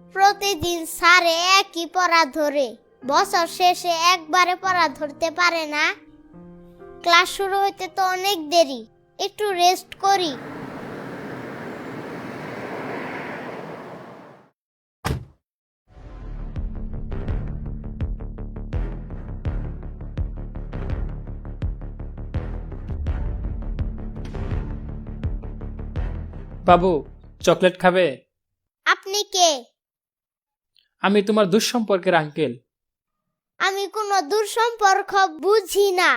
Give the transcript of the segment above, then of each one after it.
প্রতিদিন স্যারে একই পড়া ধরে, বছর শেষে একবারে পড়া ধরতে পারে না। ক্লাস শুরু হইতে তো অনেক দেরি, একটু রেস্ট করি। বাবু, চকলেট খাবে? আপনি কে? আমি তোমার দুঃসম্পর্কের আঙ্কেল। আমি কোনো দূরসম্পর্ক বুঝি না।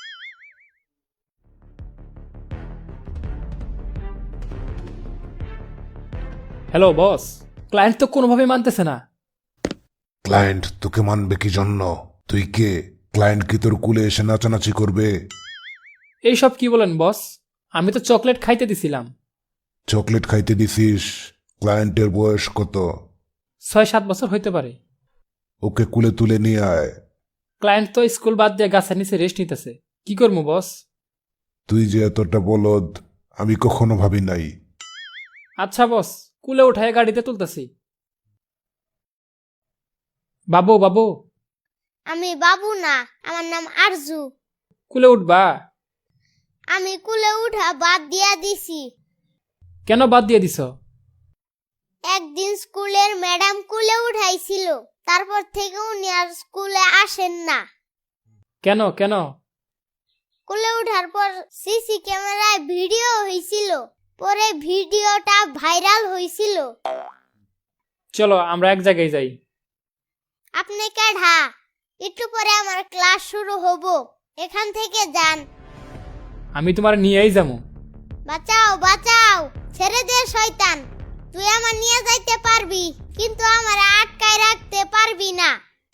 হ্যালো বস, ক্লায়েন্ট তো কোনোভাবে মানতেছে না। ক্লায়েন্ট তোকে মানবে কি জন্য? তুই কে? ক্লায়েন্ট কি তোর কুলে এসে নাচানাচি করবে? এইসব কি বলেন বস? আমি তো চকলেট খাইতে দিছিলাম। চকলেট খাইতে দিছিস? ক্লায়েন্টের বয়স কত? 6-7 বছর হইতে পারে। ওকে কুলে তুলে নিয়ে আয়। ক্লায়েন্ট তো স্কুল বাদ দিয়ে গাছের নিচে রেস্ট নিতেছে, কি করবো বস? তুই যে এতটা বলদ আমি কখনো ভাবি নাই। আচ্ছা বস, কুলে উঠায় গাড়িতে তুলতেছি। বাবু বাবু, আমি বাবু না, আমার নাম আরজু। কুলে উঠবা? আমি কুলে উঠা বাদ দিয়া দিছি। কেন বাদ দিয়ে দিছ? একদিন স্কুলের ম্যাডাম কুলে উঠাইছিল, তারপর থেকে উনি আর স্কুলে আসেন না। কেন কেন? কুলে উঠার পর সিসি ক্যামেরায় ভিডিও হয়েছিল, পরে ভিডিওটা ভাইরাল হয়েছিল। চলো আমরা এক জায়গায় যাই। আপনি কেডা? একটু পরে আমার ক্লাস শুরু হব, এখান থেকে যান। আমি তোমার নিয়েই যাবো। বাঁচাও বাঁচাও, ছেড়ে দে শয়তান। তুই আমার নিয়ে যাইতে পারবি, কিন্তু আমার আটকায় রাখতে পারবি না।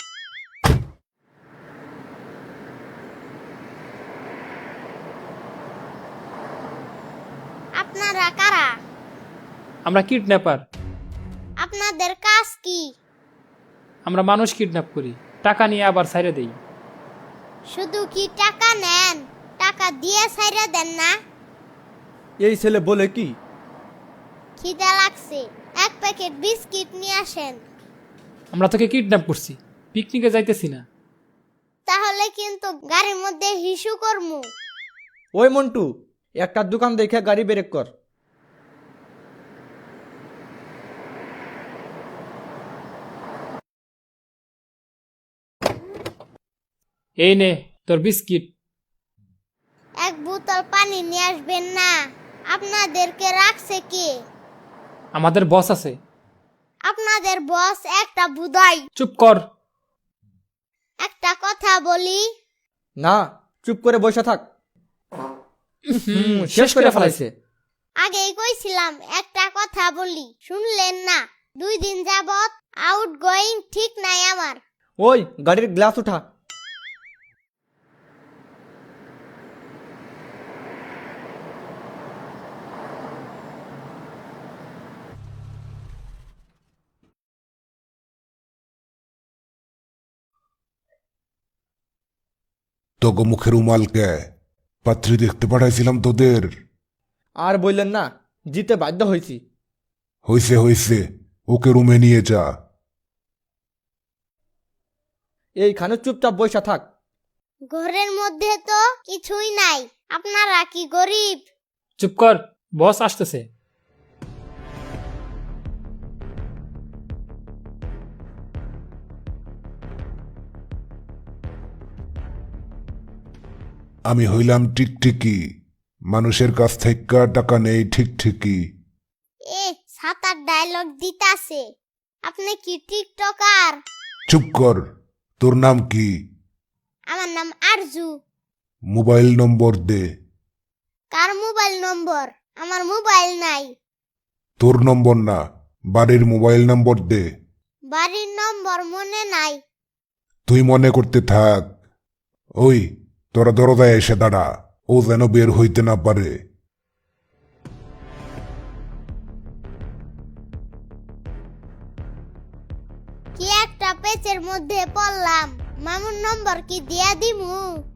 আপনারা কারা? আমরা কিডন্যাপার। আপনাদের কাজ কি? আমরা মানুষ কিডন্যাপ করি, টাকা নিয়ে আবার ছাইরে দেই। শুধু কি টাকা নেন? টাকা দিয়ে ছাইরা দেন না? এই ছেলে বলে কি? খিদা লাগছে, এক প্যাকেট বিস্কিট নিয়ে আসেন। আমরা তোকে কিডন্যাপ করছি, পিকনিকে যাইতেছি না। তাহলে কিন্তু গাড়ির মধ্যে হিসু করমু। ওই মন্টু, একটা দোকান দেখে গাড়ি ব্রেক কর। এই নে তোর বিস্কিট। এক বোতল পানি নিয়ে আসবেন না? আপনাদেরকে রাখছে কে? আমাদের বস আছে। আপনাদের বস একটা বুদাই। চুপ কর। একটা কথা বলি, না, চুপ করে বসে থাক। শেষ করে ফেলাইছে। আগেই কইছিলাম একটা কথা বলি, শুনলেন না? 2 দিন যাবত আউট গোয়িং ঠিক নাই আমার। ওই গাড়ির গ্লাস উঠা। তোকে মুখের উমাল কে? পাত্রী দেখতে পাঠাইছিলাম তোদের। আর বললেন না, জিতে বাধ্য হয়েছি। হইছে হইছে, ওকে রুমে নিয়ে যা। এইখানে চুপচাপ বসে থাক। ঘরের মধ্যে তো কিছুই নাই, আপনারা কি গরিব? চুপ কর, বস আসতেছে। আমি হইলাম টিকটিকি, মানুষের কাছ থেকে টাকা নেই ঠিক ঠিকই। এ সাতার ডায়লগ দিতাছে। আপনি কি টিকটকার? চুপ কর, তোর নাম কি? আমার নাম আরজু। মোবাইল নম্বর দে। কার মোবাইল নম্বর? আমার মোবাইল নাই। তোর নম্বর না, বাড়ির মোবাইল নম্বর দে। বাড়ির নম্বর মনে নাই। তুই মনে করতে থাক। ওই তোরা দরজায় এসে দাঁড়া, ও যেন বের হইতে না পারে। কি একটা পেচের মধ্যে পড়লাম। মামুর নম্বর কি দিয়া দিমু?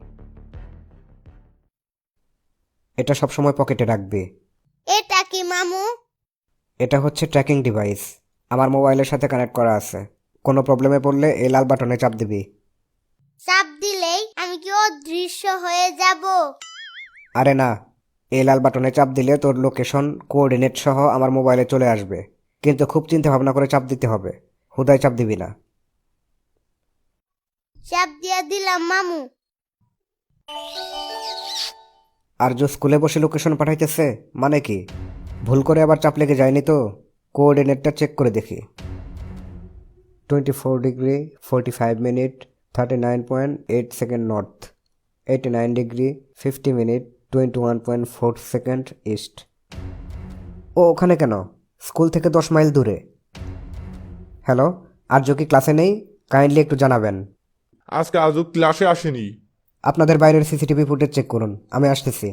এটা সবসময় পকেটে রাখবে। এটা কি মামু? এটা হচ্ছে ট্র্যাকিং ডিভাইস। আমার মোবাইলের সাথে কানেক্ট করা আছে। কোনো প্রবলেমে পড়লে এই লাল বাটনে চাপ দিবি। চাপ দিলেই আমি কি অদৃশ্য হয়ে যাব? আরে না, এই লাল বাটনে চাপ দিলে তোর লোকেশন কোঅর্ডিনেট সহ আমার মোবাইলে চলে আসবে, কিন্তু খুব চিন্তা ভাবনা করে চাপ দিতে হবে, হুদায় চাপ দিবি না। চাপ দিয়া দিলাম মামু। আর যে স্কুলে বসে লোকেশন পাঠাইতেছে মানে কি? ভুল করে আবার চাপ লেগে যায়নি তো? কোঅর্ডিনেটটা চেক করে দেখি। 24 degree 45 minute 39.8 second north, 89 degree 50 minute 21.4 second east. ও ওখানে কেন? স্কুল থেকে 10 মাইল দূরে। হ্যালো, আর্য কি ক্লাসে নেই? কাইন্ডলি একটু জানাবেন। আজকে আজও ক্লাসে আসেনি। আপনাদের বাইরের সিসিটিভি ফুটেজ চেক করুন, আমি আসতেছি।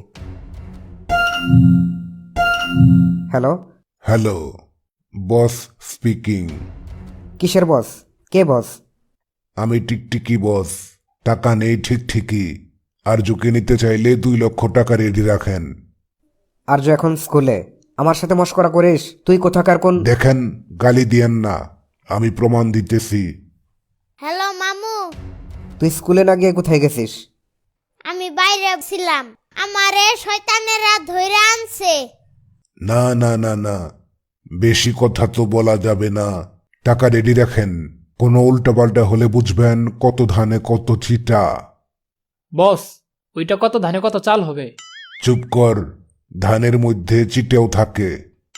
Hello, hello, boss speaking. কিসের বস? কে বস? আমি টিকটিকি বস। টাকা নেই ঠিক ঠিকই। আরজুকে নিতে চাইলে 2 লক্ষ টাকা রেডি রাখেন। আর্য এখন স্কুলে। আমার সাথে মশকরা করিস? তুই কোথাকার কোন? দেখেন, গালি দিয়েন না, আমি প্রমাণ দিতেছি। হ্যালো মামু, তুই স্কুলে না গিয়ে কোথায় গেছিস? আমি বাইরে ছিলাম, আমারে শয়তানেরা ধইরা আনছে। না না না না, বেশি কথা তো বলা যাবে না। টাকা রেডি রাখেন, কোনো উল্টাপাল্টা হলে বুঝবেন কত ধানে কত চিটা। বস, ওইটা কত ধানে কত চাল হবে? চুপ কর, ধানের মধ্যে চিটেও থাকে।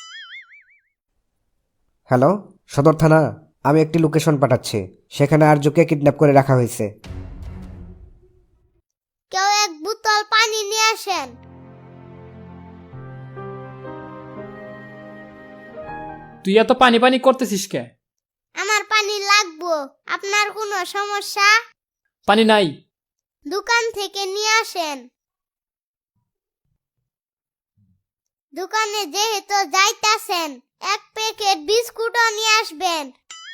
হ্যালো, সদর থানা। আমি একটি লোকেশন পাঠাচ্ছি, সেখানে আর্যকে কিডন্যাপ করে রাখা হয়েছে। কেউ এক বোতল পানি নিয়ে আসেন। তুই এত পানি পানি করতেছিস কে? আমার পানি লাগবো। আপনার কোনো সমস্যা? পানি নাই। দোকান থেকে নিয়ে আসেন। দোকানে যেহেতু যাইতাছেন, 1 প্যাকেট বিস্কুটও নিয়ে আসবেন।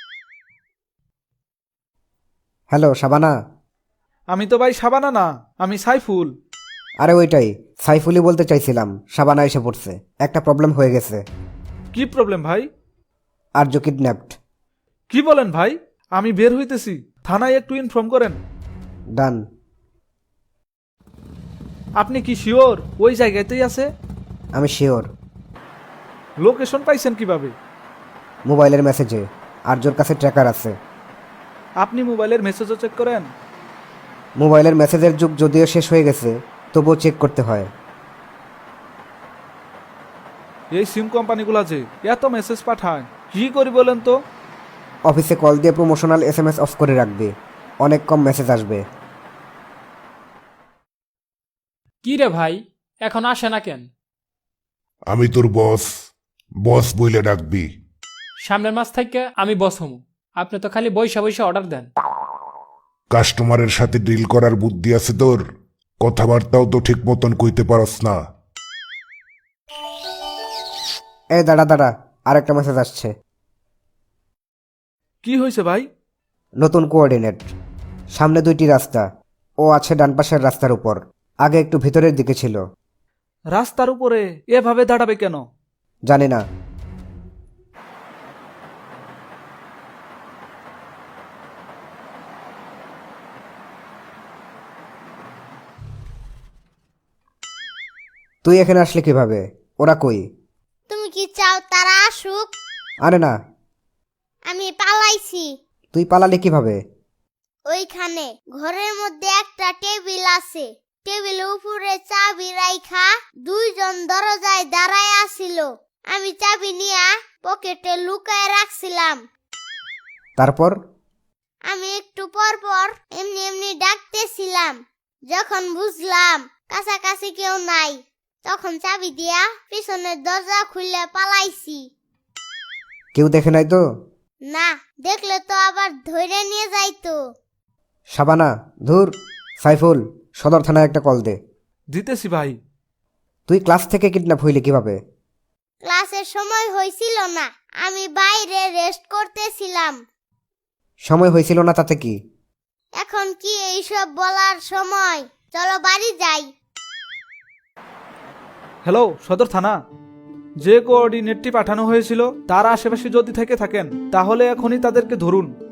হ্যালো, শাবানা। আমি তো ভাই সাবানা না, আমি সাইফুল। আরে ওইটাই, সাইফুলি বলতে চাইছিলাম। শাবানা এসে পড়ছে, একটা প্রবলেম হয়ে গেছে। কি প্রবলেম ভাই? আর্য কিডন্যাপড। কি বলেন ভাই? আমি বের হইতেছি, থানায় একটু ইনফর্ম করেন। ডান। আপনি কি শিওর ওই জায়গাতেই আছে? আমি শিওর। লোকেশন পাইছেন কিভাবে? মোবাইলের মেসেজে। আর্যর কাছে ট্র্যাকার আছে। আপনি মোবাইলের মেসেজও চেক করেন? মোবাইলের মেসেজের যুগ যদিও শেষ হয়ে গেছে, তবুও চেক করতে হয়। এই সিম কোম্পানিগুলো যে এত মেসেজ পাঠায়, কি করি বলেন তো? অফিসে কল দিয়ে প্রমোশনাল SMS অফ করে রাখবে, অনেক কম মেসেজ আসবে। কি রে ভাই, এখন আসে না কেন? আমি তোর বস, বস বইলে ডাকবি। সামনের মাস থেকে আমি বস হমু। আপনি তো খালি বইসা বইসা অর্ডার দেন। কাস্টমারের সাথে ডিল করার বুদ্ধি আছে তোর? কথাবার্তাও তো ঠিক মতন কইতে পারস না। এই দাঁড়া দাঁড়া, আরেকটা মেসেজ আসছে। কি হয়েছে ভাই? নতুন কোঅর্ডিনেট। সামনে 2টি রাস্তা, ও আছে ডান পাশের রাস্তার উপর, আগে একটু ভিতরের দিকে ছিল। রাস্তার উপরে এভাবে দাঁড়াবে কেন? জানি না। তুই এখানে আসলে কিভাবে? ওরা কই? তুমি কি চাও তারা আসুক? আরে না। আমি পালাইছি। তুই পালালি কিভাবে? ওইখানে ঘরের মধ্যে একটা টেবিল আছে। টেবিলের উপরে চাবি রাইখা 2 জন দরজায় দাঁড়ায় আছিল। আমি চাবি নিয়া পকেটে লুকায় রাখছিলাম। তারপর? আমি একটু পর পর এমনি এমনি ডাকতেছিলাম। যখন বুঝলাম কাছাকাছি কেউ নাই, তখন চাবি দিয়া পিছনের দরজা খুলে পালাইছি। কেউ দেখে নাই তো? না, দেখলে তো আবার ধরে নিয়ে যাইতো। শাবানা, ধুর। সাইফুল, সদর থানায় একটা কল দে। দিতেছি ভাই। তুই ক্লাস থেকে কিডন্যাপ হইলি কিভাবে? ক্লাসের সময় হয়েছিল না, আমি বাইরে রেস্ট করতেছিলাম। সময় হয়েছিল না তাতে কি? এখন কি এইসব বলার সময়? চলো বাড়ি যাই। হ্যালো, সদর থানা। যে কোঅর্ডিনেটটি পাঠানো হয়েছিল তার আশেপাশে যদি থেকে থাকেন তাহলে এখনই তাদেরকে ধরুন।